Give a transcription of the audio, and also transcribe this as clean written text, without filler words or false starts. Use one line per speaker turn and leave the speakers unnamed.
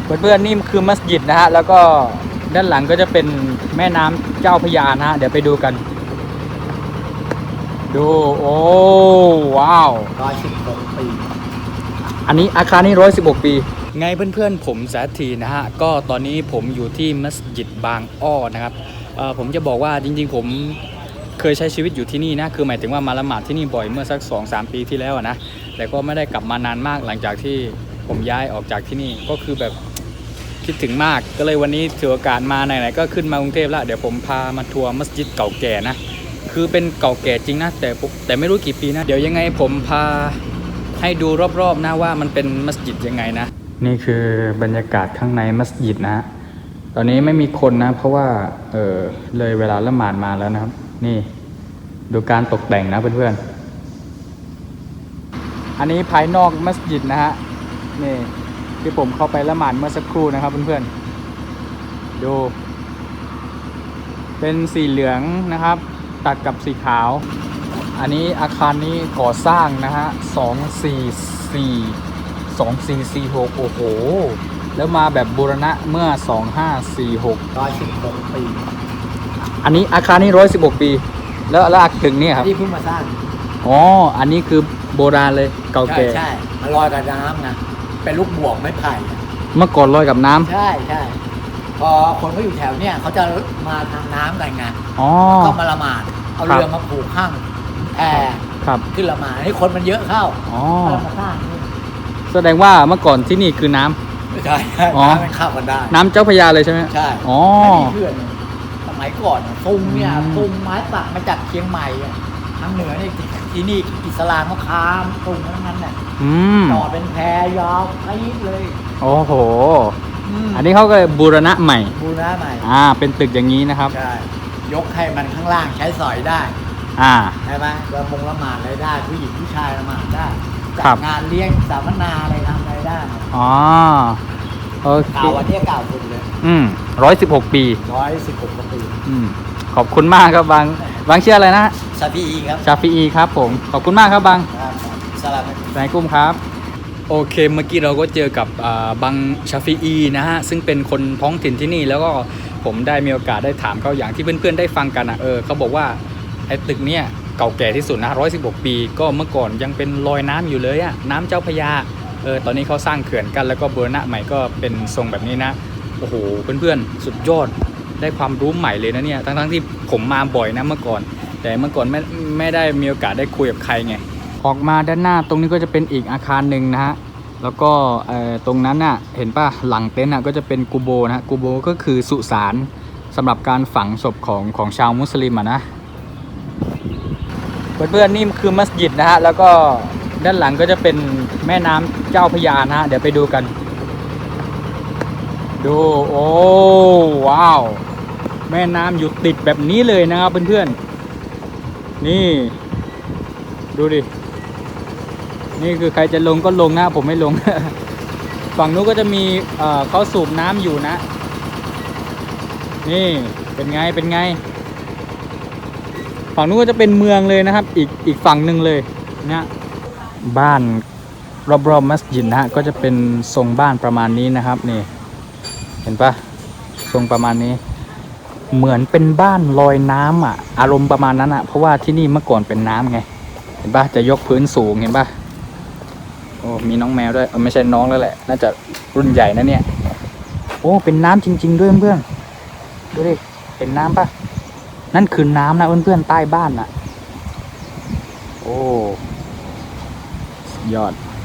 เพื่อนๆนี่คือมัสยิดนะฮะแล้วก็ด้านหลังก็จะเป็นแม่น้ำเจ้าพระยานะฮะเดี๋ยวไปดูกันดูโอ้ว้าว
116 ปี
อันนี้อาคารนี้116 ปีไงเพื่อนๆผมสาธีนะฮะก็ตอนนี้ผมอยู่ที่มัสยิดบางอ้อนะครับผมจะบอกว่าจริงๆผมเคยใช้ชีวิตอยู่ที่นี่นะคือหมายถึงว่ามาละหมาดที่นี่บ่อยเมื่อสัก 2-3 ปีที่แล้วนะแต่ก็ไม่ได้กลับมานานมากหลังจากที่ผมย้ายออกจากที่นี่ก็คือแบบคิดถึงมากก็เลยวันนี้ถือโอกาสมาไหนๆก็ขึ้นมากรุงเทพแล้วเดี๋ยวผมพามาทัวร์มัสยิดเก่าแก่นะคือเป็นเก่าแก่จริงนะแต่ไม่รู้กี่ปีนะเดี๋ยวยังไงผมพาให้ดูรอบๆนะว่ามันเป็นมัสยิดยังไงนะนี่คือบรรยากาศข้างในมัสยิดนะตอนนี้ไม่มีคนนะเพราะว่าเลยเวลาละหมาดมาแล้วนะครับนี่ดูการตกแต่งนะเพื่อนๆอันนี้ภายนอกมัสยิดนะฮะนี่ที่ผมเข้าไปละหมาดเมื่อสักครู่นะครับเพื่อนๆดูเป็นสีเหลืองนะครับตัดกับสีขาวอันนี้อาคารนี้ก่อสร้างนะฮะ2446โอ้โหแล้วมาแบบบูรณะเมื่อ
116 ปี
อันนี้อาคารนี้116 ปีแล้วอาคารถึงนี่ครับ
ที่เพิ่งมาสร้าง
อ๋ออันนี้คือโบราณเลยเก่าแก่
ใช่มันลอยกับน้ำนะเป็นลูกบวกไม้ไผ่
เมื่อก่อนลอยกับน้ำ
ใช่พอคนเขาอยู่แถวเนี้ยเขาจะมาทางน้ำกันไงก็มาละหมาดเอาเรือมาผูกข้างแพขึ้นละหมาดให้คนมันเยอะเข้าก็มาสร้างนี่
แสดงว่าเมื่อก่อนที่นี่คือน้ำ
ใช่น้ำมันเข้ากันได้
น้ำเจ้าพระยาเลยใช่ไหม
ใช่ไม่มีเพื่อนสมัยก่อนตุงเนี่ยตุงไม้สักมาจากเชียงใหม่ทางเหนือนี่ที่นี่อิสลามเขาค้ามตุงทั้งนั้นเนี่ยต่อเป็นแพยาวไปเลย
โอ้โหอันนี้เขาก็บูรณะใหม่เป็นตึกอย่างนี้นะครับ
ใช่ยกให้มันข้างล่างใช้สอยได้ใช่ไหมละหมาดอะไรได้ผู้หญิงผู้ชายละหมาดได้จัดงานเลี้ยงสัมมนาอะไรทำอะไรได้
โอเค
เก่าวันนี้เก่าสุดเลย
116 ปี
ปี
ขอบคุณมากครับบางชื่ออะไรนะ
ชาฟีอีครับ
ชาฟีอีครับผมขอบคุณมากครับบาง
สลับ
นายกุ้มครับโอเคเมื่อกี้เราก็เจอกับบังชาฟีอีนะฮะซึ่งเป็นคนท้องถิ่นที่นี่แล้วก็ผมได้มีโอกาสได้ถามเขาอย่างที่เพื่อนๆได้ฟังกันเขาบอกว่าไอ้ตึกเนี้ยเก่าแก่ที่สุดนะ116 ปีก็เมื่อก่อนยังเป็นลอยน้ำอยู่เลยน้ำเจ้าพระยาตอนนี้เขาสร้างเขื่อนกันแล้วก็บูรณะใหม่ก็เป็นทรงแบบนี้นะโอ้โหเพื่อนๆสุดยอดได้ความรู้ใหม่เลยนะเนี่ยทั้งที่ผมมาบ่อยนะเมื่อก่อนแต่เมื่อก่อนไม่ได้มีโอกาสได้คุยกับใครไงออกมาด้านหน้าตรงนี้ก็จะเป็นอีกอาคารหนึ่งนะฮะแล้วก็ตรงนั้นน่ะเห็นป่ะหลังเต็นท์ก็จะเป็นกูโบนะกูโบก็คือสุสานสำหรับการฝังศพของชาวมุสลิมนะเพื่อนๆนี่คือมัสยิดนะฮะแล้วก็ด้านหลังก็จะเป็นแม่น้ำเจ้าพระยานะฮะเดี๋ยวไปดูกันดูโอ้ว้าวแม่น้ำอยู่ติดแบบนี้เลยนะครับเพื่อนๆนี่ดูดินี่คือใครจะลงก็ลงนะผมไม่ลง ฝั่งนู้นก็จะมีเขาสูบน้ำอยู่นะนี่เป็นไงฝั่งนู้นก็จะเป็นเมืองเลยนะครับอีกฝั่งหนึ่งเลยเนี่ยบ้านรอบๆมัสยิดนะฮะก็จะเป็นทรงบ้านประมาณนี้นะครับนี่เห็นปะทรงประมาณนี้เหมือนเป็นบ้านลอยน้ำอารมณ์ประมาณนั้นเพราะว่าที่นี่เมื่อก่อนเป็นน้ำไงเห็นปะจะยกพื้นสูงเห็นปะโอ้มีน้องแมวด้วยไม่ใช่น้องแล้วแหละน่าจะรุ่นใหญ่นะเนี่ยโอ้เป็นน้ำจริงๆด้วยเพื่อนดูดิเป็นน้ำปะนั่นคือน้ำนะเพื่อนๆใต้บ้านโอ้ยอด